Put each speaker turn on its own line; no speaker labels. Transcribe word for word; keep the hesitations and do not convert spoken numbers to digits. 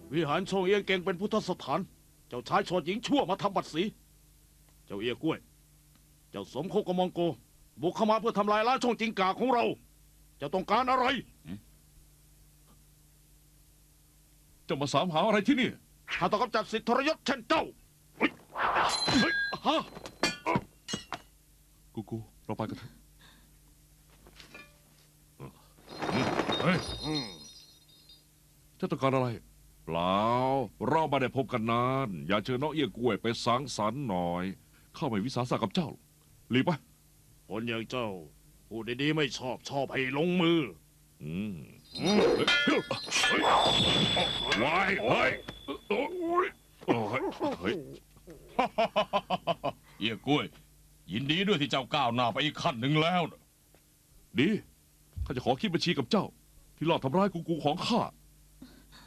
วิหารโชงเอียงเก่งเป็นพุทธสถานเจ้าชายโฉดหญิงชั่วมาทำบัตรสีเจ้าเอียกล้วย เจ้าสมคบกับมองโกบุกเข้ามาเพื่อทำลายล้างช่องจิงกาของเราเจ้าต้องการอะไร
เจ้ามาสามหาอะไรที่นี่
ถ้าต้องกำจัดสิทธิทรยศเช่นเจ้าเฮ้ยเฮ้ยฮะ
กูกูเราไปกันเถอะ
เฮ้ย
เจ้าต้องการอะไร เปล่าเราไม่ได้พบกันนาน อยากเจอน้องเอี้ยกล้วยไปสังสรรค์หน่อย เข้าไปวิสาสะกับเจ้ารีบไป
คนอย่างเจ้าพูดดีๆไม่ชอบชอบให้ลงมือ
อืม
วายเฮ้ยโอ้ยโอ้ยเฮ้ย
เอี้ยกล้วย ยินดีด้วยที่เจ้าก้าวหน้าไปอีกขั้นหนึ่งแล้วนะ
ดีข้าจะขอคิดบัญชีกับเจ้า ที่ลอบทำร้ายกูกูของข้า